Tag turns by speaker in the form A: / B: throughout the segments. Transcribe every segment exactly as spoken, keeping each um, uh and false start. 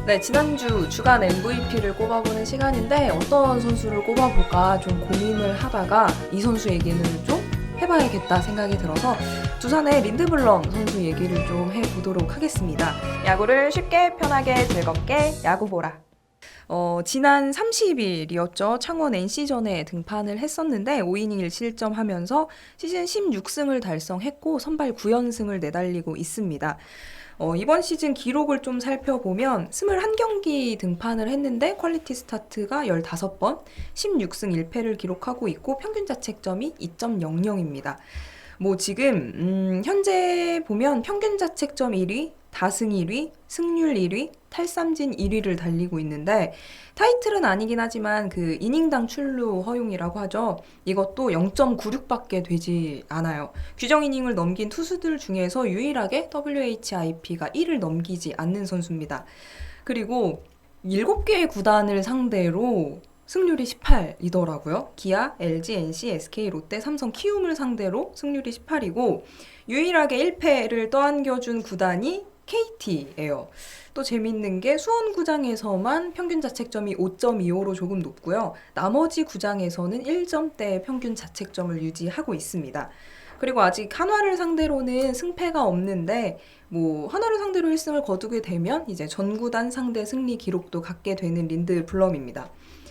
A: 네, 지난주 주간 엠브이피를 꼽아보는 시간인데 어떤 선수를 꼽아볼까 좀 고민을 하다가 이 선수 얘기는 좀 해봐야겠다 생각이 들어서 두산의 린드블럼 선수 얘기를 좀 해보도록 하겠습니다. 야구를 쉽게 편하게 즐겁게 야구보라. 어, 지난 삼십 일이었죠. 창원 엔씨전에 등판을 했었는데 오 이닝 일 실점하면서 시즌 십육 승을 달성했고 선발 구 연승을 내달리고 있습니다. 어, 이번 시즌 기록을 좀 살펴보면 이십일 경기 등판을 했는데 퀄리티 스타트가 십오 번, 십육 승 일 패를 기록하고 있고 평균 자책점이 이 점 영영입니다. 뭐 지금 음, 현재 보면 평균 자책점 일 위, 다승 일 위, 승률 일 위, 탈삼진 일 위를 달리고 있는데 타이틀은 아니긴 하지만 그 이닝당 출루 허용이라고 하죠. 이것도 영 점 구육밖에 되지 않아요. 규정 이닝을 넘긴 투수들 중에서 유일하게 더블유에이치아이피가 일을 넘기지 않는 선수입니다. 그리고 일곱 개의 구단을 상대로 승률이 십팔이더라고요. 기아, 엘지, 엔씨, 에스케이, 롯데, 삼성, 키움을 상대로 승률이 십팔이고 유일하게 일 패를 떠안겨준 구단이 케이티예요. 또 재밌는 게 수원구장에서만 평균 자책점이 오 점 이오로 조금 높고요. 나머지 구장에서는 일 점대의 평균 자책점을 유지하고 있습니다. 그리고 아직 한화를 상대로는 승패가 없는데 뭐 한화를 상대로 일 승을 거두게 되면 이제 전구단 상대 승리 기록도 갖게 되는 린드블럼입니다.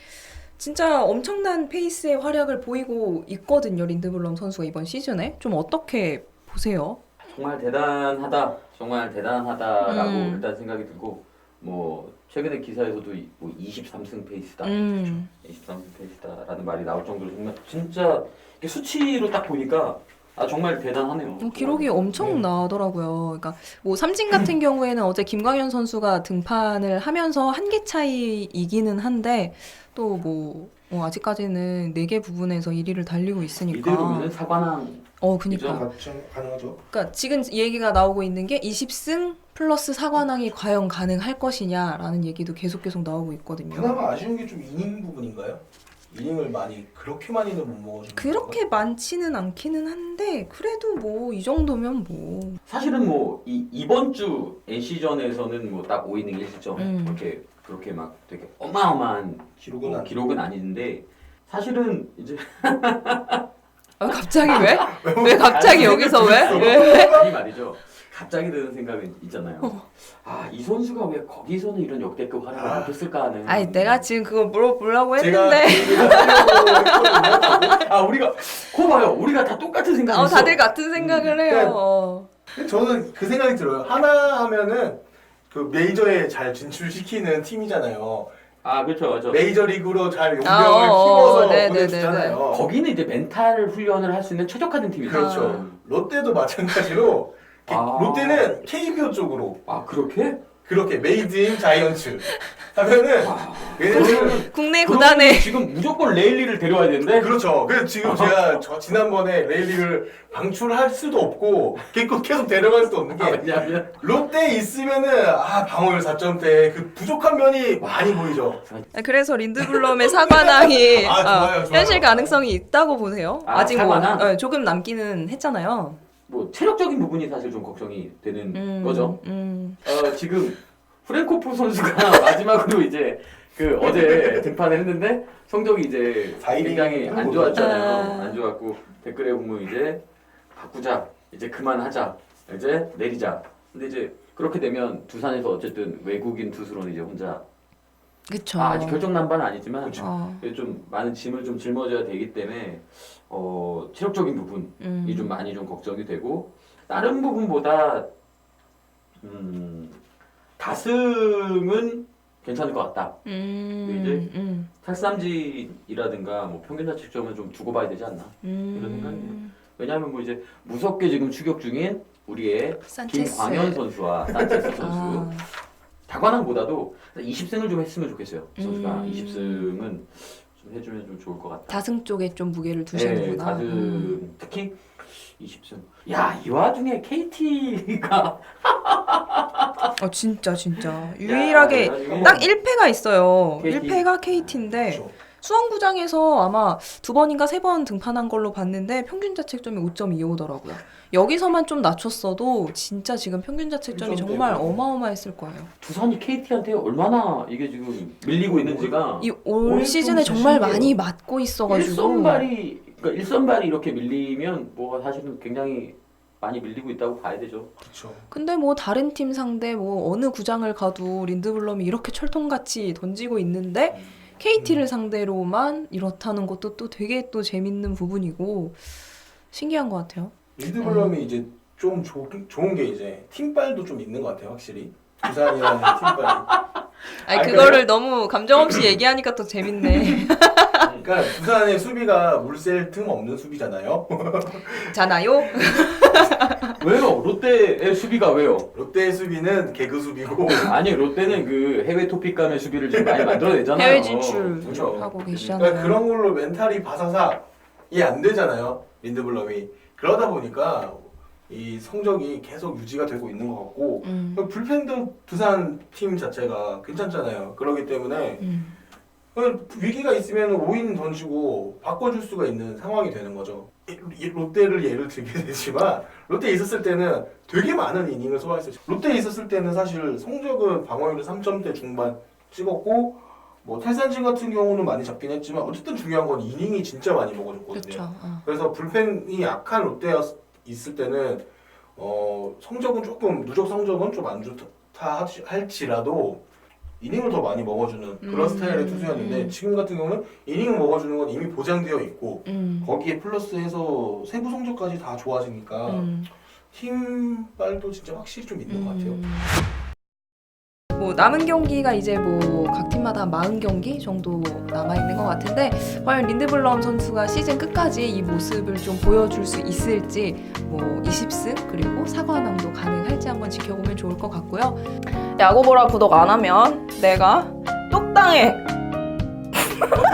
A: 진짜 엄청난 페이스의 활약을 보이고 있거든요. 린드블럼 선수가 이번 시즌에. 좀 어떻게 보세요?
B: 정말 대단하다, 정말 대단하다라고
A: 음.
B: 일단 생각이 들고 뭐 최근에 기사에서도 이- 뭐 이십삼 승 페이스다,
A: 음.
B: 이십삼 승 페이스다라는 말이 나올 정도로 정말 진짜 이게 수치로 딱 보니까 아 정말 대단하네요.
A: 어, 기록이 엄청
B: 네.
A: 나더라고요. 그러니까 뭐 삼진 같은 경우에는 어제 김광현 선수가 등판을 하면서 한 개 차이이기는 한데 또 뭐 아직까지는 네 개 부분에서 일 위를 달리고 있으니까.
B: 이대로면은 사관왕
A: 어, 그니까.
C: 가능- 가능하죠.
A: 그러니까 지금 얘기가 나오고 있는 게 이십 승 플러스 사관왕이 과연 가능할 것이냐라는 얘기도 계속 계속 나오고 있거든요.
C: 그나마 아쉬운 게 좀 이닝 부분인가요? 이닝을 많이 그렇게 많이는 못 먹어주는
A: 그렇게 많지는 않기는 한데 그래도 뭐 이 정도면 뭐
B: 사실은 뭐 이 이번 주 엔씨전에서는 뭐 딱 오 이닝 일 실점
A: 음.
B: 그렇게 그렇게 막 되게 어마어마한
C: 기록은
B: 뭐
C: 안
B: 기록은 아니는데 사실은 이제
A: 아, 갑자기 왜? 왜 갑자기 여기서 왜? 왜?
B: 아니 말이죠. 갑자기 드는 생각은 있잖아요.
A: 어.
B: 아, 이 선수가 왜 거기서는 이런 역대급 활약을
C: 아.
B: 못했을까 하는.
A: 아니 내가 지금 그거 물어보려고
C: 제가
A: 했는데
C: 그 얘기를 하려고 했거든요.
B: 아, 우리가 거 봐요. 우리가 다 똑같은 생각이
A: 어,
B: 있어.
A: 다들 같은 생각을 해요.
C: 그러니까
A: 어.
C: 근데 저는 그 생각이 들어요. 하나 하면은 그 메이저에 잘 진출시키는 팀이잖아요.
B: 아, 그렇죠. 그렇죠.
C: 메이저리그로 잘 용병을
A: 아, 어, 어,
C: 키워서
A: 네, 네,
C: 보내주잖아요.
B: 거기는 이제 멘탈 훈련을 할 수 있는 최적화된 팀이죠.
C: 그렇죠.
A: 아.
C: 롯데도 마찬가지로
B: 아.
C: 롯데는 케이비오 쪽으로
B: 아, 그렇게?
C: 그렇게 메이드 인 자이언츠 하면은 얘네들은
A: 국내
B: 그러면
A: 구단에
B: 지금 무조건 레일리를 데려와야 되는데.
C: 그렇죠. 그래서 지금 제가 저 지난번에 레일리를 방출할 수도 없고 계속 계속 데려갈 수도 없는
B: 아,
C: 게
B: 왜냐면
C: 롯데에 있으면은 아 방어율 사 점대 그 부족한 면이 많이 보이죠.
A: 그래서 린드블럼의 사관왕이
C: 아, 좋아요,
A: 어,
C: 좋아요.
A: 현실 가능성이 있다고 보세요.
B: 아,
A: 아직 뭐
B: 사관왕?
A: 어, 조금 남기는 했잖아요.
B: 뭐 체력적인 부분이 사실 좀 걱정이 되는
A: 음,
B: 거죠.
A: 음.
B: 어, 지금 프랭코프 선수가 마지막으로 이제 그 어제 등판을 했는데 성적이 이제
C: 사 이닝
B: 굉장히 안
C: 하고
B: 좋았잖아요.
A: 아.
B: 안 좋았고 댓글에 보면 이제 바꾸자, 이제 그만하자, 이제 내리자. 근데 이제 그렇게 되면 두산에서 어쨌든 외국인 투수로는 이제 혼자
A: 그쵸.
B: 아, 아직 결정 난 바는 아니지만
C: 그쵸.
A: 어,
B: 좀 많은 짐을 좀 짊어져야 되기 때문에 어, 체력적인 부분이
A: 음.
B: 좀 많이 좀 걱정이 되고 다른 부분보다 음, 다승은 괜찮을 것 같다.
A: 음,
B: 근데 이제
A: 음,
B: 탈삼진이라든가 뭐 평균 자책점은 좀 두고 봐야 되지 않나.
A: 음.
B: 이런 생각이네요. 왜냐하면 뭐 이제 무섭게 지금 추격 중인 우리의
A: 산체스.
B: 김광현 선수와 산체스 선수
A: 아,
B: 다관왕보다도 이십 승을 좀 했으면 좋겠어요. 선수가
A: 음.
B: 이십 승은 좀 해주면 좀 좋을 것 같다.
A: 다승 쪽에 좀 무게를
B: 네,
A: 두시는구나.
B: 다승
A: 음.
B: 특히 이십 승. 야, 이 와중에 케이티가
A: 어 진짜 진짜 유일하게
B: 야,
A: 딱 일 패가 있어요.
B: 케이티.
A: 일 패가 케이티인데
C: 그렇죠.
A: 수원구장에서 아마 두 번인가 세 번 등판한 걸로 봤는데 평균 자책점이 오 점 이오더라고요. 여기서만 좀 낮췄어도 진짜 지금 평균 자책점이 정말 어마어마했을 거예요.
B: 두산이 케이티한테 얼마나 이게 지금 밀리고 있는지가
A: 이 올
C: 올
A: 시즌에
C: 좀
A: 정말
C: 자신이에요.
A: 많이 맞고 있어가지고
B: 일선발이 그러니까 일선발이 이렇게 밀리면 뭐 사실은 굉장히 많이 밀리고 있다고 봐야 되죠.
C: 그렇죠.
A: 근데 뭐 다른 팀 상대 뭐 어느 구장을 가도 린드블럼이 이렇게 철통같이 던지고 있는데 케이티를 상대로만 이렇다는 것도 또 되게 또 재밌는 부분이고 신기한 것 같아요.
C: 린드블럼이 이제 좀 조, 좋은 게 이제 팀빨도 좀 있는 것 같아요, 확실히. 두산이라는 팀빨이.
A: 아니
C: 아,
A: 그거를
C: 그래요?
A: 너무 감정 없이 얘기하니까 또 재밌네.
C: 그러니까 두산의 수비가 물샐 틈 없는 수비잖아요.
A: 잖아요.
B: 왜요? 롯데의 수비가 왜요?
C: 롯데의 수비는 개그 수비고
B: 아니 롯데는 그 해외 토픽감의 수비를 지금 많이 만들어내잖아요.
A: 해외 진출
C: 그렇죠.
A: 하고 계시잖아요.
C: 그러니까 그런 걸로 멘탈이 바사삭이 안 되잖아요. 린드블럼이. 그러다 보니까 이 성적이 계속 유지가 되고 있는 것 같고
A: 음,
C: 불펜도 두산 팀 자체가 괜찮잖아요. 그렇기 때문에
A: 음,
C: 위기가 있으면 오 인 던지고 바꿔줄 수가 있는 상황이 되는 거죠. 이- 이 롯데를 예를 들게 되지만 롯데에 있었을 때는 되게 많은 이닝을 소화했어요. 롯데에 있었을 때는 사실 성적은 방어율이 삼 점대 중반 찍었고 뭐 탈산진 같은 경우는 많이 잡긴 했지만 어쨌든 중요한 건 이닝이 진짜 많이 먹어줬거든요.
A: 그렇죠. 어.
C: 그래서 불펜이 약한 롯데에 있을 때는 어, 성적은 조금 누적 성적은 좀 안 좋다 할지- 할지라도 이닝을 더 많이 먹어주는 그런
A: 음.
C: 스타일의 투수였는데 지금 같은 경우는 이닝을 먹어주는 건 이미 보장되어 있고
A: 음,
C: 거기에 플러스해서 세부 성적까지 다 좋아지니까
A: 음.
C: 팀빨도 진짜 확실히 좀 있는 것 같아요.
A: 음. 뭐 남은 경기가 이제 뭐 각 팀마다 한 사십 경기 정도 남아 있는 것 같은데 과연 린드블럼 선수가 시즌 끝까지 이 모습을 좀 보여줄 수 있을지 뭐 이십 승 그리고 사과남도 가능할지 한번 지켜보면 좋을 것 같고요. 야구보라 구독 안 하면 내가 똑당해.